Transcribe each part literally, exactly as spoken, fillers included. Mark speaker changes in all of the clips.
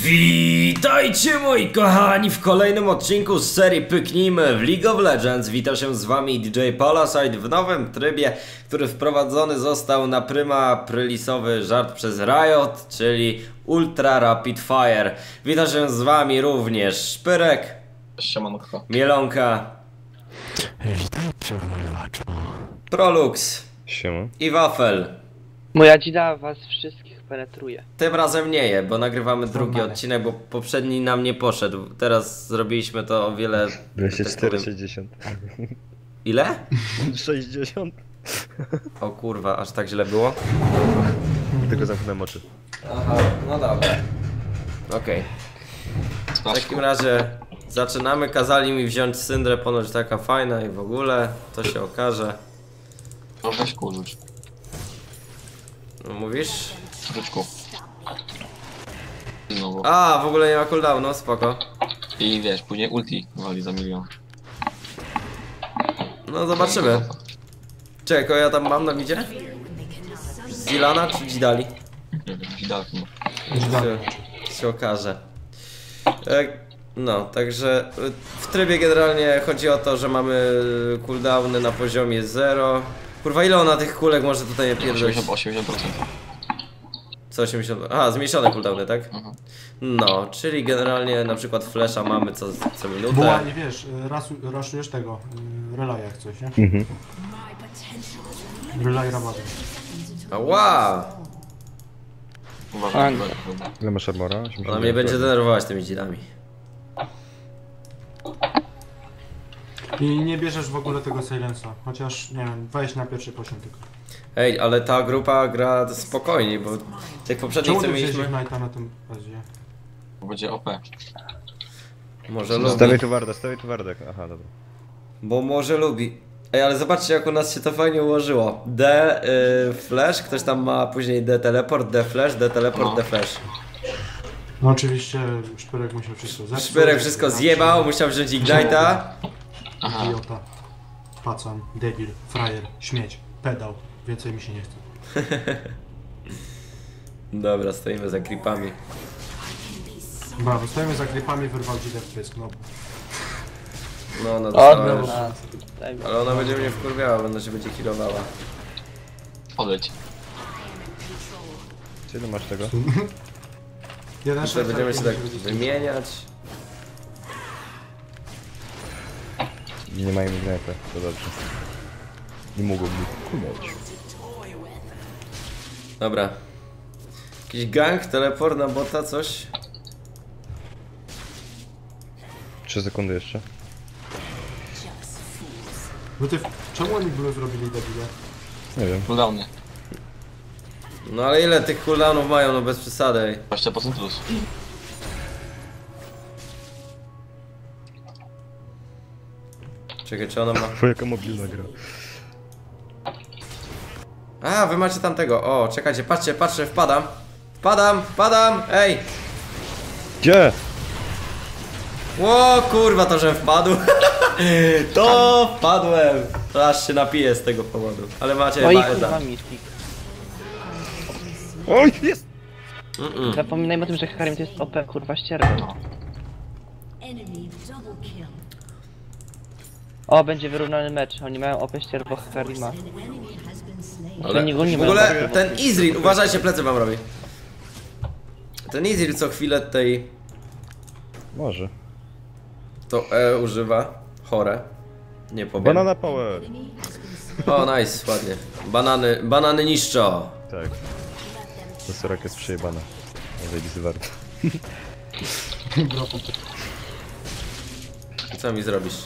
Speaker 1: Witajcie moi kochani w kolejnym odcinku z serii Pyknijmy w League of Legends. Witam się z wami D J Palasite w nowym trybie, który wprowadzony został na pryma prylisowy żart przez Riot, czyli Ultra Rapid Fire. Witam się z wami również Szpyrek,
Speaker 2: Siemanko.
Speaker 1: Mielonka,
Speaker 3: Witajcie wojowaczu.
Speaker 1: Prolux
Speaker 4: Siema.
Speaker 1: i Wafel.
Speaker 5: Moja dzida was wszystkich penetruje.
Speaker 1: Tym razem nie je, bo nagrywamy drugi odcinek, bo poprzedni nam nie poszedł. Teraz zrobiliśmy to o wiele...
Speaker 4: dwieście cztery,
Speaker 1: tak powiem-
Speaker 4: sześćdziesiąt.
Speaker 1: Ile?
Speaker 4: sześćdziesiąt.
Speaker 1: O kurwa, aż tak źle było?
Speaker 4: Tylko zamknąłem oczy.
Speaker 1: Aha, no dobra. Okej. W takim razie zaczynamy. Kazali mi wziąć syndrę, ponoć taka fajna i w ogóle. To się okaże.
Speaker 2: No weź kurcz.
Speaker 1: No, mówisz?
Speaker 2: Ryczku. Znowu.
Speaker 1: A, w ogóle nie ma cooldownu, spoko.
Speaker 2: I wiesz, później ulti wali za milion.
Speaker 1: No zobaczymy. Czekaj, kogo ja tam mam na widzie? Zilana czy Dzidali?
Speaker 2: Nie wiem, widać chyba.
Speaker 1: Się, się okaże. E, No, także w trybie generalnie chodzi o to, że mamy cooldowny na poziomie zero. Kurwa, ile ona tych kulek może tutaj pierdolić?
Speaker 2: osiemdziesiąt procent.
Speaker 1: Co osiemdziesiąt? Aha, zmniejszone cooldowny, tak?
Speaker 2: Mhm.
Speaker 1: No, czyli generalnie na przykład flasha mamy co, co minutę.
Speaker 6: Była, nie wiesz, rasu, raszujesz tego, y, relaya jak coś, nie?
Speaker 4: Mhm.
Speaker 6: Relay rabaty.
Speaker 1: Ała!
Speaker 2: Uważaj,
Speaker 5: Anka.
Speaker 2: uważaj.
Speaker 4: Ile masz armora?
Speaker 1: Ona mnie będzie denerwować tymi dzidami.
Speaker 6: I nie bierzesz w ogóle tego silensa, chociaż, nie wiem, weź na pierwszy poziom tylko.
Speaker 1: Ej, ale ta grupa gra spokojnie, bo tych poprzednich
Speaker 6: Czemu
Speaker 1: co
Speaker 6: ty wziąłeś
Speaker 1: mieliśmy...
Speaker 6: Ignite'a na tym bazie?
Speaker 2: Bo będzie O P.
Speaker 1: Może lubi.
Speaker 4: Stawiaj tu wardę, stawiaj tu wardę. Aha, dobra.
Speaker 1: Bo może lubi. Ej, ale zobaczcie jak u nas się to fajnie ułożyło. D, y, flash, ktoś tam ma później D teleport, D flash, D teleport,
Speaker 2: No.
Speaker 1: D flash.
Speaker 6: No oczywiście Szpyrek musiał wszystko zepsuć.
Speaker 1: Szpyrek wszystko zjebał, musiał wziąć Ignite'a.
Speaker 2: Aha.
Speaker 6: Idiota, pacan, debil, frajer, śmieć, pedał. Więcej mi się nie chce.
Speaker 1: Dobra, stoimy za creepami.
Speaker 6: Brawo, stoimy za klipami, wyrwał dzidę w pysk, no.
Speaker 1: No, no
Speaker 5: O,
Speaker 1: dostała już.
Speaker 5: dobra. Daj mi.
Speaker 1: Ale ona będzie mnie wkurwiała, bo ona się będzie healowała.
Speaker 2: Odejdź.
Speaker 4: Czy ile masz tego?
Speaker 6: Jeden
Speaker 1: Jeszcze
Speaker 6: szef,
Speaker 1: będziemy się tak
Speaker 6: będzie-
Speaker 1: wymieniać.
Speaker 4: Nie mają ignite, to dobrze. Nie mogą mi kunąć.
Speaker 1: Dobra. Jakiś gang, teleport na bota, coś?
Speaker 4: trzy sekundy jeszcze.
Speaker 6: No ty, czemu oni były zrobili debile?
Speaker 4: Nie wiem.
Speaker 2: Cooldowny.
Speaker 1: No ale ile tych cooldownów mają, no bez przesady. Ej.
Speaker 2: dwadzieścia procent plus.
Speaker 1: Czekaj, czy ona ma...
Speaker 4: Bo jaka mobilna gra.
Speaker 1: A, wy macie tamtego. O, czekajcie, patrzcie, patrzcie, wpadam. Wpadam, wpadam, ej!
Speaker 4: Gdzie?
Speaker 1: Ło, kurwa, to że wpadł. To wpadłem. To aż się napiję z tego powodu. Ale macie
Speaker 5: Oj,
Speaker 1: chyba
Speaker 5: kurwa
Speaker 1: Eda.
Speaker 5: Mystic.
Speaker 4: Oj, jest!
Speaker 1: Mm-mm.
Speaker 5: Zapominajmy o tym, że Karim to jest O P, kurwa ścierwo. O, będzie wyrównany mecz. Oni mają O P ścierwo Karima.
Speaker 1: Ale
Speaker 5: Oni go nie
Speaker 1: w
Speaker 5: mają
Speaker 1: ogóle
Speaker 5: O P,
Speaker 1: ten Izril, uważajcie, plecy wam robi. Ten Izril co chwilę tej
Speaker 4: Może.
Speaker 1: to E używa. Chore. Nie powiem.
Speaker 4: Banana power!
Speaker 1: O, nice, ładnie. Banany, banany niszczą.
Speaker 4: Tak. To Sorak jest przejebana. Zajebisy warto.
Speaker 1: Co mi zrobisz?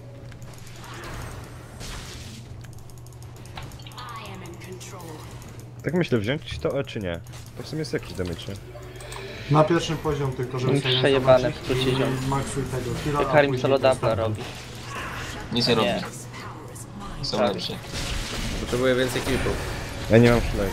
Speaker 4: Tak myślę, wziąć to E czy nie? To w sumie jest jakiś damage, nie?
Speaker 6: Na pierwszym poziom tylko, żeby
Speaker 5: Mm,
Speaker 6: silensa
Speaker 5: przejebane
Speaker 6: zobaczyć
Speaker 5: w skrócie
Speaker 6: i
Speaker 5: ziom.
Speaker 6: maksuj tego heala, a
Speaker 5: Karim
Speaker 6: później
Speaker 5: solo dubla
Speaker 6: następny.
Speaker 5: robi.
Speaker 2: Nic nie robi.
Speaker 5: Nie.
Speaker 2: Są
Speaker 5: Tak.
Speaker 2: lepsi.
Speaker 1: Potrzebuję więcej klipów.
Speaker 4: Ja nie mam flag.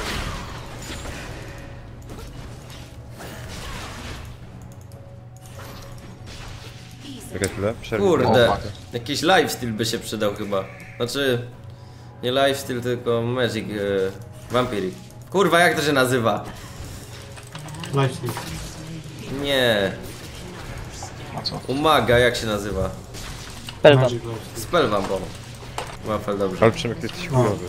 Speaker 4: Czekaj chwilę, przerwę.
Speaker 1: Kurde,
Speaker 2: O, fuck.
Speaker 1: jakiś lifestyle by się przydał chyba. Znaczy, nie lifestyle, tylko magic, e, vampiric. Kurwa, jak to się nazywa?
Speaker 6: Lifesteal.
Speaker 1: Nie.
Speaker 2: A co?
Speaker 1: Umaga, jak się nazywa?
Speaker 5: Pelwam.
Speaker 6: Magic Lost.
Speaker 1: Spell bo. Wafel, dobrze.
Speaker 4: Ale Przemek, ty jesteś
Speaker 6: No.
Speaker 4: chujowy.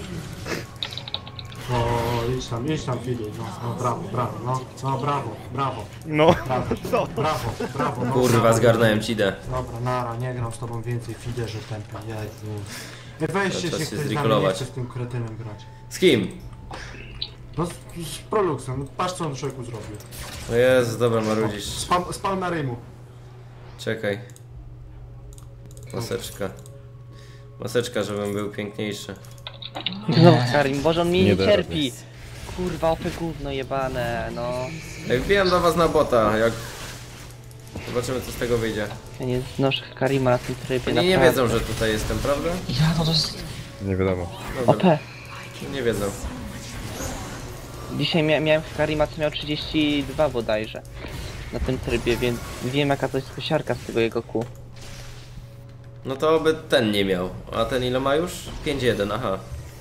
Speaker 6: O, idź tam, idź tam, Filip. No, no, brawo, brawo, no, no, brawo, brawo,
Speaker 4: No,
Speaker 6: brawo,
Speaker 4: co?
Speaker 6: brawo, brawo. No,
Speaker 1: Kurwa,
Speaker 6: brawo.
Speaker 1: zgarnąłem ci idę.
Speaker 6: Dobra, nara, nie gram z tobą więcej, fiderze tempy, Jezu. Nie weźcie
Speaker 1: Czas
Speaker 6: się,
Speaker 1: się
Speaker 6: ktoś z nami nie
Speaker 1: zrikolować.
Speaker 6: chce z tym kretynem grać.
Speaker 1: Z kim?
Speaker 6: No z, z Proluxem, no, patrz co on człowieku zrobił.
Speaker 1: O Jezu, dobra, marudzisz.
Speaker 6: Spal, spal na rymu.
Speaker 1: Czekaj. Maseczka. Maseczka, żebym był piękniejszy.
Speaker 5: Znowu Karim, Boże on mnie
Speaker 4: Nie
Speaker 5: nie
Speaker 4: da
Speaker 5: cierpi. Kurwa, opy gówno jebane, no.
Speaker 1: Ej, wbijam do was na bota, jak... Zobaczymy, co z tego wyjdzie.
Speaker 5: Ja nie znoszę Karima na tym trybie,
Speaker 1: Oni nie
Speaker 5: naprawdę.
Speaker 1: wiedzą, że tutaj jestem, prawda?
Speaker 2: Ja, no to jest...
Speaker 4: Nie wiadomo.
Speaker 5: O
Speaker 1: Dobra,
Speaker 5: P.
Speaker 1: nie wiedzą.
Speaker 5: Dzisiaj mia miałem Karima, co miał trzydzieści dwa bodajże. Na tym trybie, więc wiem jaka to jest kosiarka z tego jego kół.
Speaker 1: No to by ten nie miał. A ten ile ma już? pięć jeden, aha.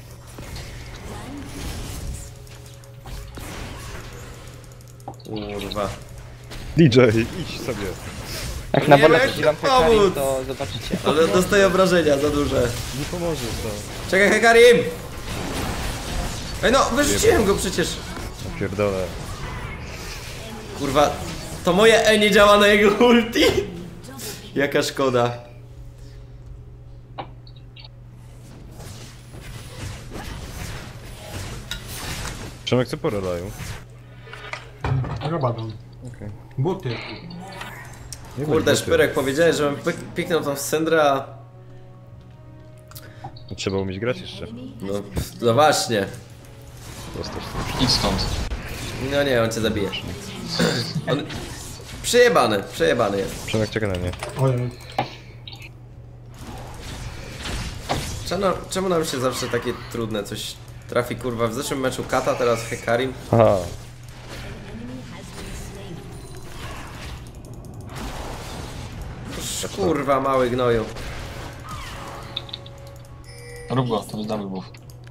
Speaker 1: Kurwa.
Speaker 4: D J, idź sobie.
Speaker 5: Jak na
Speaker 1: Nie
Speaker 5: wolę
Speaker 1: wiem, jak
Speaker 5: wziąłem
Speaker 1: pomóc.
Speaker 5: Karim, to zobaczycie.
Speaker 1: Ale dostaję obrażenia za duże.
Speaker 4: Nie pomożesz, no.
Speaker 1: Czekaj, Hekarim! Ej no, wyrzuciłem go przecież.
Speaker 4: Napierdolę.
Speaker 1: Kurwa, to moje E nie działa na jego ulti. Jaka szkoda.
Speaker 4: Przemek, co poradają?
Speaker 6: Robadą.
Speaker 4: Okej.
Speaker 6: Buty.
Speaker 4: Nie
Speaker 1: Kurde,
Speaker 4: bądź
Speaker 1: Szpyrek, powiedziałeś, żebym pik- piknął tą Syndrę, a...
Speaker 4: buty. Trzeba umieć grać jeszcze.
Speaker 1: No, no właśnie.
Speaker 4: Dostać
Speaker 2: Idź stąd.
Speaker 1: No nie, on cię zabije. On... Przejebany, przejebany jest.
Speaker 4: Przemek, czeka na mnie.
Speaker 6: Ojej.
Speaker 1: Czemu, czemu nam się zawsze takie trudne coś trafi, kurwa? W zeszłym meczu Kata, teraz Hekarim.
Speaker 4: Aha.
Speaker 1: Kurwa, mały gnoju.
Speaker 2: Rób go, to jest double buff.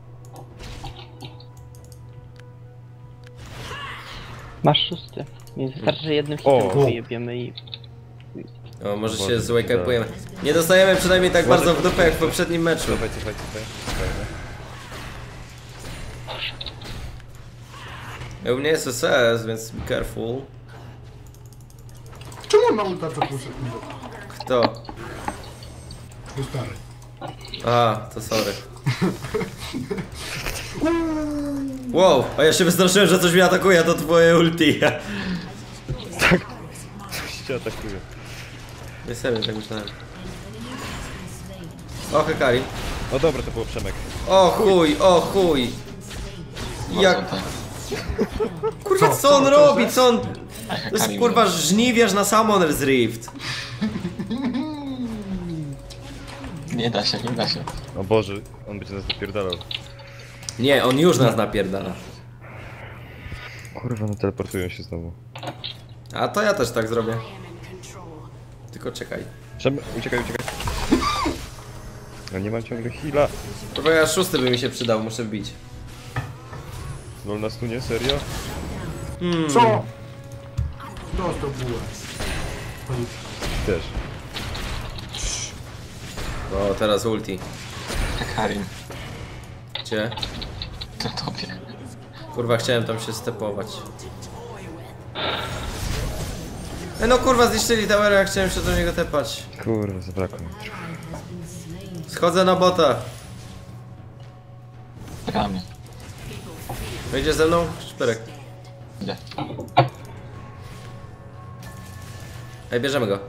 Speaker 5: Masz szósty. Więc wystarczy, że jednym
Speaker 4: O.
Speaker 5: hitem go wyjebiemy i...
Speaker 1: O, może się
Speaker 4: Boże,
Speaker 1: złajkajpujemy. Nie dostajemy przynajmniej tak
Speaker 4: Boże,
Speaker 1: bardzo w dupę jak w poprzednim meczu.
Speaker 4: Cofaj, cofaj, cofaj. Cofaj,
Speaker 1: U mnie jest S S, więc be careful.
Speaker 6: Czemu on ma ulta co pół sekundy?
Speaker 1: Kto?
Speaker 6: To stary.
Speaker 1: A, to sorry. Wow, a ja się wystraszyłem, że coś mnie atakuje, a to twoje ulti.
Speaker 4: Coś cię atakuje.
Speaker 1: Nie serio, tak myślałem. O, Hekarim.
Speaker 4: No dobra, to było Przemek.
Speaker 1: O chuj, o chuj. Jak...
Speaker 2: Bardzo tak.
Speaker 1: Kurwa,
Speaker 6: Co,
Speaker 1: co on
Speaker 6: co,
Speaker 1: robi?
Speaker 6: co,
Speaker 1: Co on...
Speaker 2: A
Speaker 1: To jest
Speaker 2: Hekarim,
Speaker 1: kurwa żniwiarz na Summoner's Rift.
Speaker 2: Nie da się, nie da się.
Speaker 4: O Boże, on będzie nas dopierdalał.
Speaker 1: Nie, on już nas napierdala.
Speaker 4: Kurwa, no teleportują się znowu.
Speaker 1: A to ja też tak zrobię. Tylko czekaj.
Speaker 4: Przemek, uciekaj, uciekaj. No nie mam ciągle heala.
Speaker 1: Kurwa, ja szósty by mi się przydał, muszę wbić.
Speaker 4: Lol nas tu nie, serio?
Speaker 6: Co? Dostał bułę.
Speaker 4: Też.
Speaker 1: O, teraz ulti.
Speaker 2: Hekarim.
Speaker 1: Gdzie?
Speaker 2: Na tobie.
Speaker 1: Kurwa, chciałem tam się stepować. E no kurwa, zniszczyli towera, ja chciałem się do niego tepać.
Speaker 4: Kurwa, zabrakło mi trochę.
Speaker 1: Schodzę na bota.
Speaker 2: Ramię.
Speaker 1: Wejdzie ze mną? Szpyrek.
Speaker 2: Idę.
Speaker 1: Ej, bierzemy go.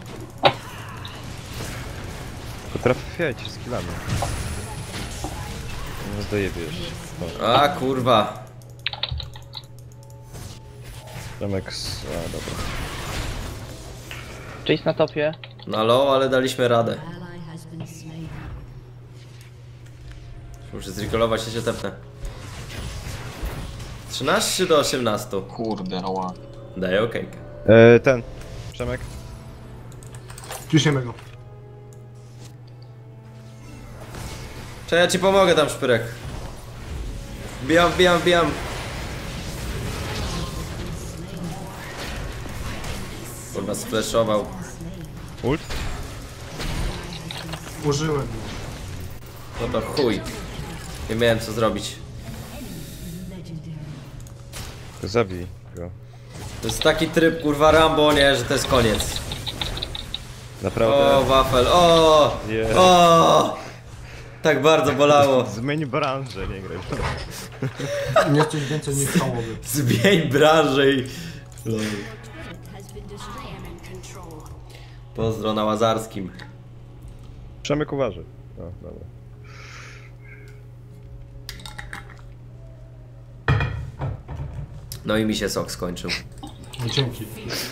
Speaker 4: Potrafiajcie z killami. No dojebiesz. O,
Speaker 1: A kurwa.
Speaker 4: Przemek z... A, dobra.
Speaker 5: Chase na topie.
Speaker 1: Na low, ale daliśmy radę. Muszę zrecallować, się się tepnę. trzynaście do osiemnastu.
Speaker 2: Kurde, oła.
Speaker 1: Daję okej.
Speaker 4: E, ten. Przemek.
Speaker 6: Ciśniemy go.
Speaker 1: Czy ja ci pomogę tam, Szpyrek. Wbijam, wbijam, wbijam. sfleszował.
Speaker 4: Ult?
Speaker 6: Użyłem.
Speaker 1: No to chuj. Nie miałem co zrobić.
Speaker 4: Zabij go.
Speaker 1: To jest taki tryb kurwa Rambo, nie, że to jest koniec.
Speaker 4: Naprawdę.
Speaker 1: O, wafel, o!
Speaker 4: Nie.
Speaker 1: O! Tak bardzo bolało.
Speaker 4: Zmień branżę, nie graj.
Speaker 6: Nie jesteś więcej niż całowy.
Speaker 1: Zmień branżę i... Lol. Pozdro na Łazarskim.
Speaker 4: Przemyk uważy. O, dobra.
Speaker 1: No i mi się sok skończył.
Speaker 6: No, dzięki.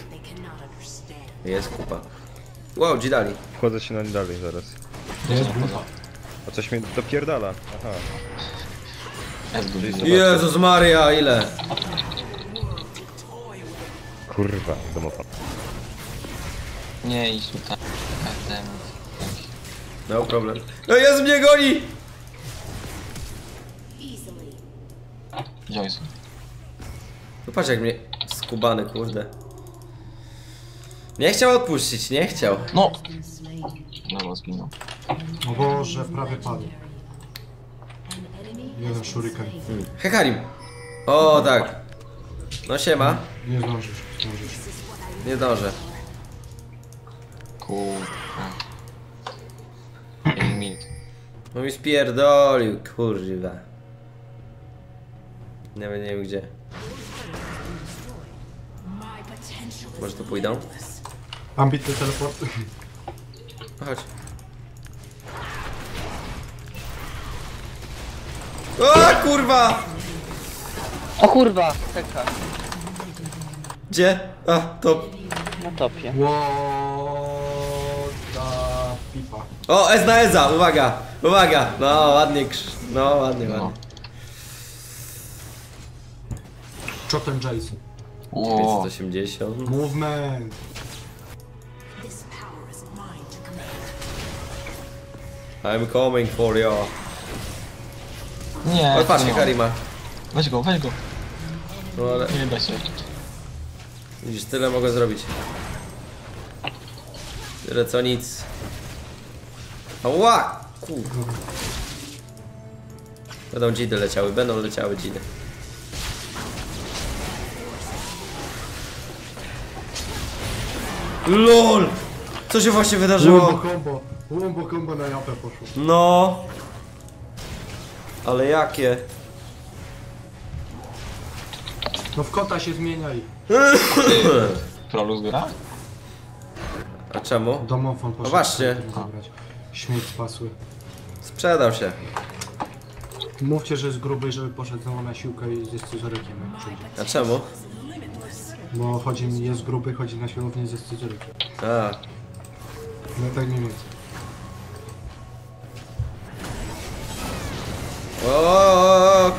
Speaker 1: Jest kupa. Wow, Dzidali.
Speaker 4: Wchodzę się na nie dalej zaraz.
Speaker 6: Jest bufa.
Speaker 4: A coś mnie dopierdala. Aha.
Speaker 2: Jest good.
Speaker 4: Czyli
Speaker 1: Jezus Maria, ile?
Speaker 4: Kurwa, domofon.
Speaker 2: Nie idź tutaj. Ten...
Speaker 1: No problem. No jest, mnie goni!
Speaker 2: Joyce.
Speaker 1: No patrz jak mnie skubany, kurde. Nie chciał odpuścić, nie chciał.
Speaker 2: No! No, zginął.
Speaker 6: O Boże, prawie padł. Jeden shuriken.
Speaker 1: Hmm. Hekarim. O tak. No siema.
Speaker 6: Nie zdążysz, zdążysz.
Speaker 1: Nie dążę.
Speaker 2: Kurwa. Jeden minut.
Speaker 1: No mi spierdolił, kurwa. Nawet nie wiem gdzie. Może tu pójdą?
Speaker 6: Ambitny teleport.
Speaker 1: No chodź. O kurwa!
Speaker 5: O kurwa, teka.
Speaker 1: Gdzie? A, to...
Speaker 5: Na topie.
Speaker 6: Łoda pipa.
Speaker 1: O, Ez na Eza, uwaga! Uwaga! No, ładnie krz... No, ładnie,
Speaker 2: No.
Speaker 1: ładnie.
Speaker 6: Chotem Jason.
Speaker 2: Ło.
Speaker 1: pięćset osiemdziesiąt.
Speaker 6: Movement.
Speaker 1: I'm coming for you.
Speaker 2: Nie,
Speaker 1: O, patrz,
Speaker 2: nie.
Speaker 1: Karima.
Speaker 2: Weź go, weź go.
Speaker 1: No ale...
Speaker 2: Nie da się.
Speaker 1: Widzisz, tyle mogę zrobić. Tyle co nic. Ała! Kurwa. Będą dzidy leciały, będą leciały dzidy. LOL! Co się właśnie
Speaker 6: Wombo
Speaker 1: wydarzyło?
Speaker 6: combo. Wombo combo na japę poszło.
Speaker 1: No. Ale jakie?
Speaker 6: No w kota się zmieniaj.
Speaker 2: Proluz gra?
Speaker 1: A czemu?
Speaker 6: Domofon poszedł.
Speaker 1: właśnie.
Speaker 6: sobie zabrać. Śmieć spasły.
Speaker 1: Sprzedał się.
Speaker 6: Mówcie, że jest gruby, żeby poszedł znowu na siłkę i ze scyzorykiem jak przyjdzie.
Speaker 1: A czemu?
Speaker 6: Bo chodzi mi, jest gruby, chodzi na siłownię ze scyzorykiem.
Speaker 1: A.
Speaker 6: No tak mniej więcej.
Speaker 1: O.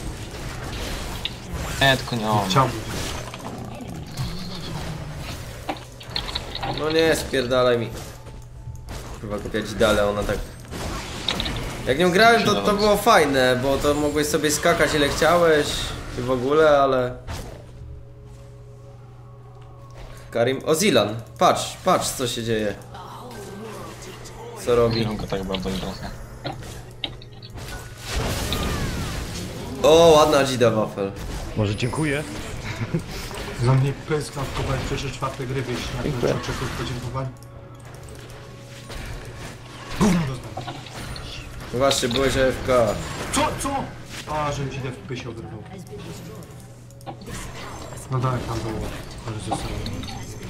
Speaker 2: Nie, tylko nie on.
Speaker 6: Chciałbym.
Speaker 1: No nie, spierdalaj mi. Kurwa, kupiać dalej, ona tak... Jak nią grałem, to, to było fajne, bo to mogłeś sobie skakać ile chciałeś i w ogóle, ale... Karim... O, Zilan! Patrz, patrz co się dzieje. Co robi?
Speaker 2: Lubię go tak bardzo trochę.
Speaker 1: O, ładna dzida wafel.
Speaker 4: Może dziękuję?
Speaker 6: Za mnie pyska w kubek, trzy czwarte gry wieś na
Speaker 5: Dziękuję.
Speaker 6: ten oczekuj podziękowań. Gówno dostałem.
Speaker 1: No właśnie, byłeś A F K.
Speaker 6: Co? Co? A, że mi się w pysio wyrwał. No tak, tam było. Ale zostało.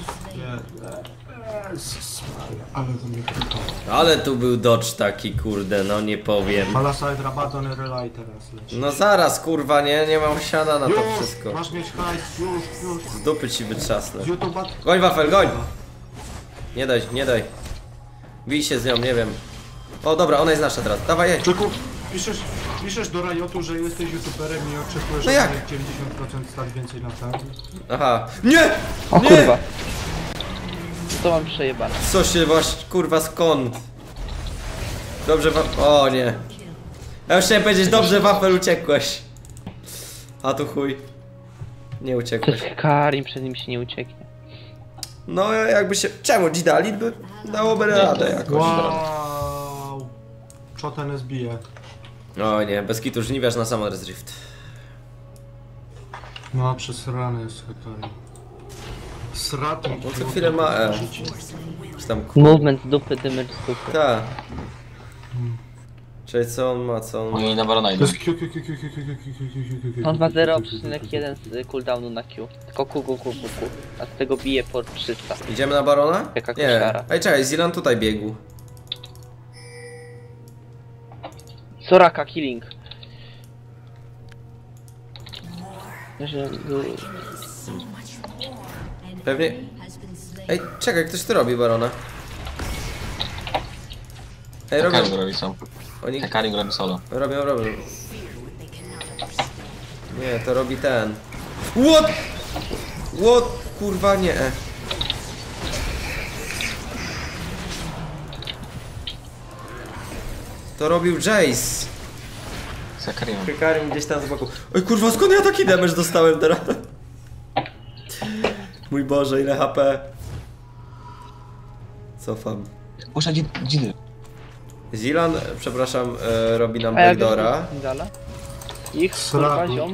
Speaker 6: Jezus Maria, ale to mnie krykało.
Speaker 1: Ale tu był dodge taki, kurde, no nie powiem.
Speaker 6: Palasite Rabadon Relay teraz leci.
Speaker 1: No zaraz, kurwa, nie? Nie mam siana na to
Speaker 6: Już!
Speaker 1: wszystko.
Speaker 6: Masz mieć hajs, już, już.
Speaker 1: Z dupy ci wytrzasnę.
Speaker 6: Z YouTube'a...
Speaker 1: Goń wafel, goń! Nie daj, nie daj. Bij się z nią, nie wiem. O dobra, ona jest nasza teraz. Dawaj jej.
Speaker 6: Czeku, piszesz, piszesz do Riotu, że jesteś youtuberem i oczekujesz
Speaker 1: No jak?
Speaker 6: od dziewięćdziesiąt procent stać więcej na ten.
Speaker 1: Aha. Nie!
Speaker 5: O
Speaker 1: Nie!
Speaker 5: kurwa. To mam przejebane.
Speaker 1: Co się właśnie, kurwa, skąd? Dobrze wa... O nie. Ja już chciałem powiedzieć, dobrze wafel uciekłeś. A tu chuj. Nie
Speaker 5: To
Speaker 1: uciekłeś.
Speaker 5: jest Karim, przed nim się nie ucieknie.
Speaker 1: No jakby się... Czemu Gidalit by dałoby radę jakoś.
Speaker 6: Wow. Co ten zbije?
Speaker 1: O nie, bez kitu żniwiarz na Summoner's Rift.
Speaker 6: No, przesrany jest Hekari. Sratny.
Speaker 1: On co chwilę ma E. Czy tam...
Speaker 5: Movement z dupy, damage z dupy.
Speaker 1: Ta. Czyli co on ma, co on ma?
Speaker 2: Oni na barona
Speaker 6: To
Speaker 2: idą.
Speaker 6: jest Q, Q, Q, Q, Q, Q, Q, Q, Q,
Speaker 5: On ma zero przecinek jeden z cooldownu na Q. Tylko Q, Q, Q, Q, Q. A z tego bije po trzysta.
Speaker 1: Idziemy na Barona?
Speaker 5: Jaka
Speaker 1: Nie.
Speaker 5: koszara.
Speaker 1: Ej, czekaj, Zilan tutaj biegł.
Speaker 5: Soraka, killing. Że...
Speaker 1: Pewnie... Ej, czekaj, ktoś tu robi Barona. Ej, robią...
Speaker 2: Hekarim robi sam.
Speaker 1: Oni...
Speaker 2: Hekarim robi solo.
Speaker 1: Robią, robią. Nie, to robi ten. What? What? Kurwa, nie. To robił Jace.
Speaker 2: Z Hekarimem.
Speaker 1: Hekarim gdzieś tam z boku. Oj kurwa, skąd ja taki damage dostałem teraz? Mój Boże, ile H P. Cofam.
Speaker 2: Puszcza dzidy.
Speaker 1: Zilan, przepraszam, e, robi nam
Speaker 5: A jak
Speaker 1: backdoora.
Speaker 5: Dala? Ich, kurwa,
Speaker 6: Sraku.
Speaker 5: ziom.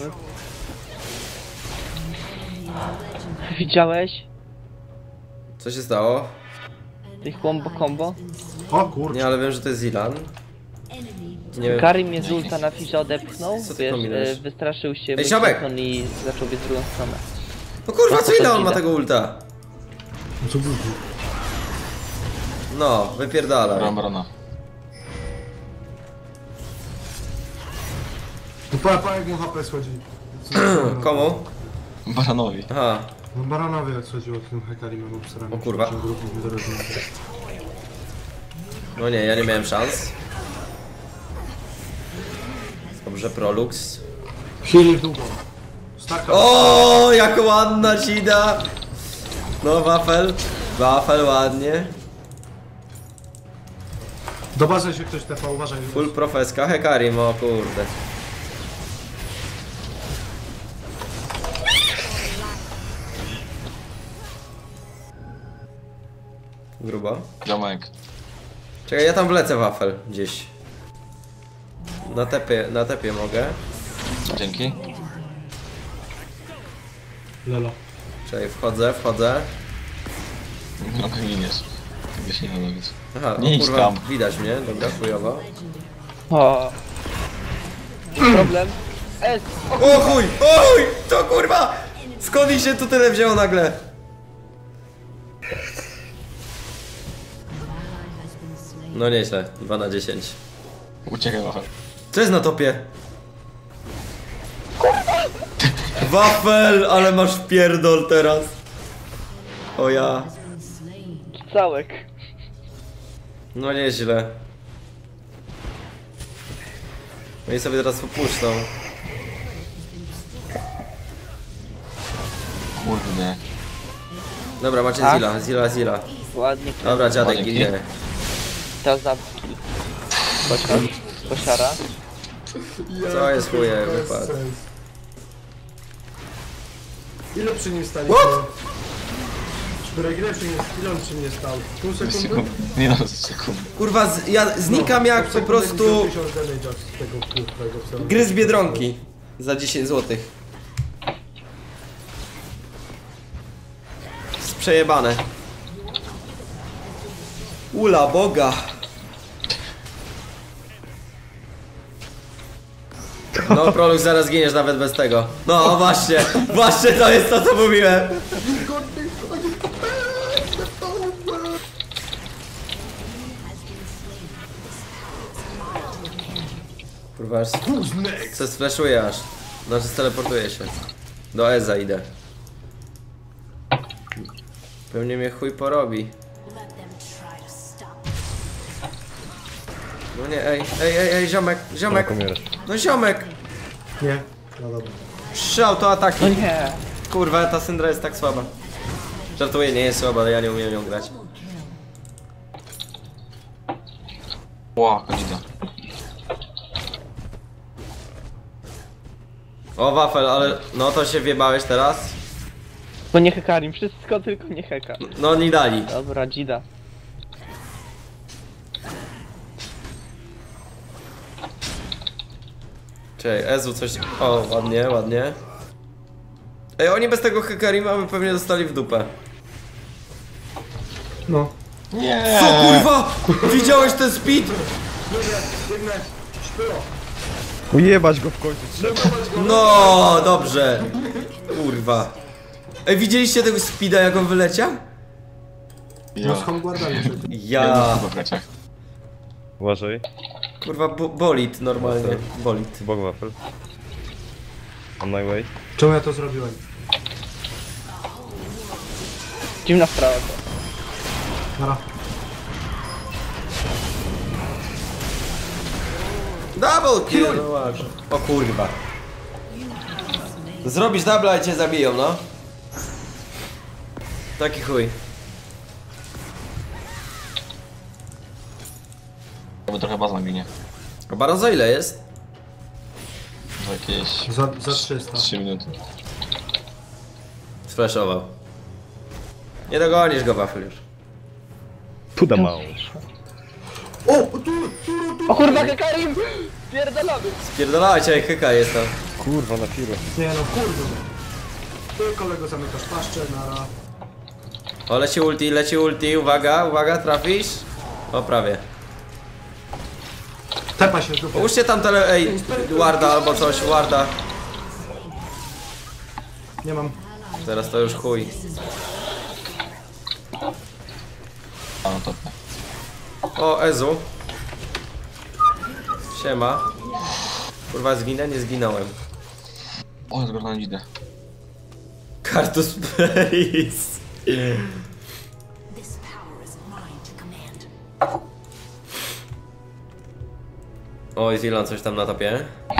Speaker 5: Widziałeś?
Speaker 1: Co się stało?
Speaker 5: Tych combo combo?
Speaker 6: O kurczę.
Speaker 1: Nie, ale wiem, że to jest Zilan. Nie wiem.
Speaker 5: Karim mnie z ulta na fisza odepchnął,
Speaker 1: Co ty
Speaker 5: wiesz,
Speaker 1: kombinujesz?
Speaker 5: e, wystraszył się
Speaker 1: Ej, Siobek!
Speaker 5: Musikon i zaczął biec w drugą stronę.
Speaker 1: No kurwa, co
Speaker 5: No,
Speaker 1: ile on ma
Speaker 5: idę.
Speaker 1: tego ulta?
Speaker 6: Co był?
Speaker 1: No, wypierdalaj.
Speaker 2: Robią barona.
Speaker 6: No pa, pa jak mu H P schodzi.
Speaker 1: Komu?
Speaker 2: Baronowi.
Speaker 1: Aha.
Speaker 6: No Baranowie jak schodziło tym Hekarimem obsranym.
Speaker 1: O kurwa.
Speaker 6: Ciąg ruchów niezależnych.
Speaker 1: No nie, ja nie miałem szans. Dobrze, Prolux.
Speaker 6: Heal długo. Staka.
Speaker 1: O, jak ładna ci da! No, wafel. Wafel, ładnie.
Speaker 6: Do bazy się ktoś tepa, uważaj.
Speaker 1: Full profeska, Hekarim, o kurde. Grubo.
Speaker 2: Ziomek.
Speaker 1: Czekaj, ja tam wlecę wafel gdzieś. Na tepie, na tepie mogę.
Speaker 2: Dzięki.
Speaker 6: Lelo.
Speaker 1: Czekaj, wchodzę, wchodzę.
Speaker 2: No giniesz. Tego się nie da robić.
Speaker 1: Aha,
Speaker 2: Nie
Speaker 1: o
Speaker 2: idź
Speaker 1: kurwa,
Speaker 2: tam.
Speaker 1: widać mnie, dobra, chujowo.
Speaker 5: O. Problem? Es!
Speaker 1: O chuj, o chuj, to kurwa! Skąd ich się tu tyle wzięło nagle? No nieźle, dwa na dziesięć.
Speaker 2: Uciekaj wafel.
Speaker 1: Co jest na topie? Wafel, ale masz wpierdol teraz. O ja.
Speaker 5: Całek.
Speaker 1: No nieźle. No i sobie teraz popuszczą.
Speaker 2: Kurde.
Speaker 1: Dobra, macie
Speaker 5: Tak?
Speaker 1: Zilla, Zilla, Zilla.
Speaker 5: Ładnie.
Speaker 1: Dobra, dziadek
Speaker 2: Ładnie.
Speaker 1: ginie.
Speaker 5: To zabki. Kosiar. Kosiara.
Speaker 1: Co jest chuje, wypadł.
Speaker 6: Ile przy nim staliśmy?
Speaker 1: What?
Speaker 6: Czterech, ile przy nim, ile on przy mnie stał? Pół sekundy?
Speaker 2: Sekund. Nie no, sekund.
Speaker 1: Kurwa, z, ja znikam jak po prostu gryz Biedronki za dziesięć złotych. Przejebane. Ula Boga. No, Prolux, zaraz giniesz nawet bez tego. No, właśnie, właśnie to jest to, co mówiłem. Kurwa, aż se sflashuję aż. Znaczy, teleportuję się. Do Eza idę. Pewnie mnie chuj porobi. No nie, ej, ej, ej, ej, ziomek, ziomek.
Speaker 4: Jak umierasz.
Speaker 1: No ziomek.
Speaker 6: Nie, no dobra.
Speaker 1: Trzy autoataki.
Speaker 5: No nie.
Speaker 1: Kurwa, ta Syndra jest tak słaba. Żartuję, nie jest słaba, ale ja nie umiem nią grać.
Speaker 2: Ła, konida.
Speaker 1: O, wafel, ale no to się wjebałeś teraz.
Speaker 5: Tylko nie Hekarim, wszystko tylko nie Heka.
Speaker 1: No nie dali.
Speaker 5: Dobra, Dzida.
Speaker 1: Czekaj, Ezu coś... O, ładnie, ładnie. Ej, oni bez tego Hekarima by pewnie dostali w dupę.
Speaker 6: No.
Speaker 2: Nie!
Speaker 1: Co kurwa? Widziałeś ten speed?
Speaker 4: Ujebać go w końcu trzeba.
Speaker 1: No, dobrze. Kurwa. Ej, widzieliście tego speeda, jak on wyleciał?
Speaker 6: No z
Speaker 2: Ja.
Speaker 6: Homeguardami przecież.
Speaker 1: Ja.
Speaker 2: W braciach.
Speaker 4: Uważaj.
Speaker 1: Kurwa, bo bolid normalnie. Bolid.
Speaker 4: Bog wafel. On my way.
Speaker 6: Czemu ja to zrobiłem?
Speaker 5: Dziwna sprawa to.
Speaker 6: Nara.
Speaker 1: Double kill! No właśnie. O kurwa. Zrobisz double i cię zabiją, no. Taki chuj.
Speaker 2: Bo trochę baza ginie.
Speaker 1: A Baron za ile jest?
Speaker 2: Za jakieś
Speaker 6: Za, za trzysta.
Speaker 2: trzy minuty.
Speaker 1: Sflashował. Nie dogonisz go, Wafel już.
Speaker 4: Puda mało.
Speaker 6: O! Tu, tu, tu!
Speaker 5: O kurwa, Hekarim! Pierdolamy!
Speaker 1: Spierdolajcie, jak Heka jest tam.
Speaker 4: Kurwa na firu.
Speaker 6: Nie no, kurde. Ty kolego zamykasz paszczę, nara.
Speaker 1: O, leci ulti, leci ulti, uwaga, uwaga, trafisz? O, prawie.
Speaker 6: Tepa się z dupy.
Speaker 1: Połóżcie tam tele... ej, warda albo coś, warda.
Speaker 6: Nie mam.
Speaker 1: Teraz to już chuj.
Speaker 2: A no to.
Speaker 1: O, Ezu. Siema. Kurwa, zginę? Nie zginąłem.
Speaker 2: O, jest na dzidę.
Speaker 1: Kartus Place.
Speaker 7: This power is mine to command.
Speaker 1: Oj, Zilan coś tam na topie.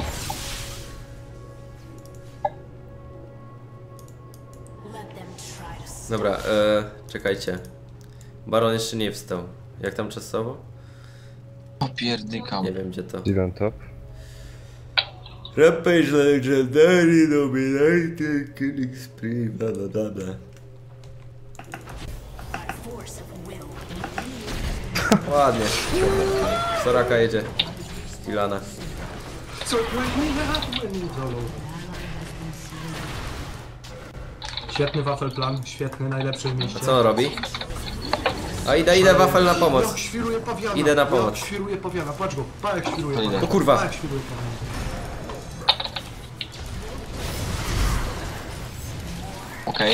Speaker 7: Let them try to stop.
Speaker 1: Dobra, e, czekajcie. Baron jeszcze nie wstał. Jak tam czasowo?
Speaker 2: Opierdykał.
Speaker 1: Nie wiem gdzie to.
Speaker 4: Dylan top.
Speaker 1: Rampage Legendary Dominated Killing Spree, bla bla bla bla.
Speaker 7: By force of will.
Speaker 1: Ładnie. Soraka jedzie. Stilana.
Speaker 6: Co? Świetny wafel plan, świetny, najlepszy w
Speaker 1: A
Speaker 6: mieście.
Speaker 1: co on robi? A idę, idę Wafel na pomoc.
Speaker 6: Jak świruje pawiana.
Speaker 1: Idę na pomoc.
Speaker 6: Jak świruje pawiana, patrz go. Pa jak świruje
Speaker 2: To idę.
Speaker 6: pawiana.
Speaker 1: O kurwa.
Speaker 6: Pa jak świruje pawiana.
Speaker 2: Okej.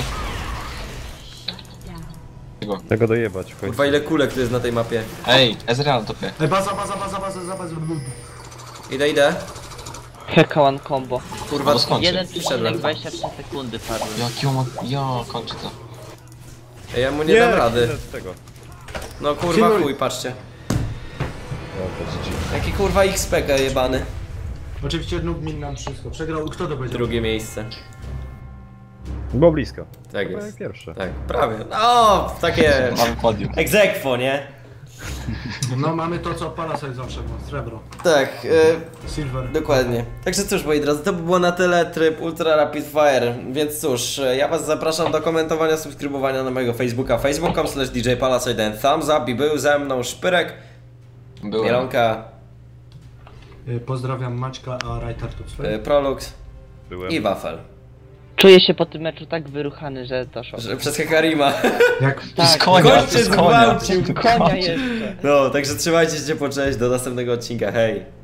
Speaker 2: Tego.
Speaker 4: Tego dojebać w końcu.
Speaker 1: Kurwa ile kulek tu jest na tej mapie.
Speaker 2: Ej, Ezreal na topie.
Speaker 6: Ej, baza, baza, baza, baza, baza, baza.
Speaker 1: Idę, idę.
Speaker 5: Heka one combo.
Speaker 1: Kurwa,
Speaker 2: No skończy.
Speaker 5: jeden
Speaker 1: wszedłem.
Speaker 5: przecinek dwadzieścia trzy sekundy padły.
Speaker 2: Jaki on ma... Ja kończę to.
Speaker 1: Ej, ja mu nie, dam rady.
Speaker 4: idę z tego.
Speaker 1: No kurwa chuj, patrzcie.
Speaker 4: No, to G G.
Speaker 1: Jaki kurwa X P K jebany.
Speaker 6: Oczywiście Nugmin nam wszystko. Przegrał, kto to będzie?
Speaker 1: Drugie miejsce.
Speaker 4: Było blisko.
Speaker 1: Tak
Speaker 4: Chyba
Speaker 1: jest.
Speaker 4: jak pierwsze.
Speaker 1: Tak, prawie. No, takie...
Speaker 2: Mamy podium.
Speaker 1: Egzekwo, nie?
Speaker 6: No mamy to, co Palasite zawsze ma, srebro.
Speaker 1: Tak, e,
Speaker 6: Silver.
Speaker 1: dokładnie. Także cóż, moi drodzy, to by było na tyle tryb Ultra Rapid Fire, więc cóż, e, ja was zapraszam do komentowania, subskrybowania na mojego Facebooka, facebook kropka com slash D J Palasite and thumbs up i był ze mną Szpyrek,
Speaker 2: Byłem.
Speaker 1: Mielonka,
Speaker 6: Y, Pozdrawiam Maćka, a Rajtar to swoje.
Speaker 1: e, Prolux
Speaker 4: Byłem.
Speaker 1: i Wafel.
Speaker 5: Czuję się po tym meczu tak wyruchany, że to szok.
Speaker 1: Że przez Hekarima.
Speaker 6: Jak
Speaker 5: Tak,
Speaker 2: Z konia,
Speaker 1: Kończy
Speaker 2: z konia.
Speaker 1: zgwałcił.
Speaker 5: konia jeszcze.
Speaker 1: No, także trzymajcie się po cześć, do następnego odcinka, hej.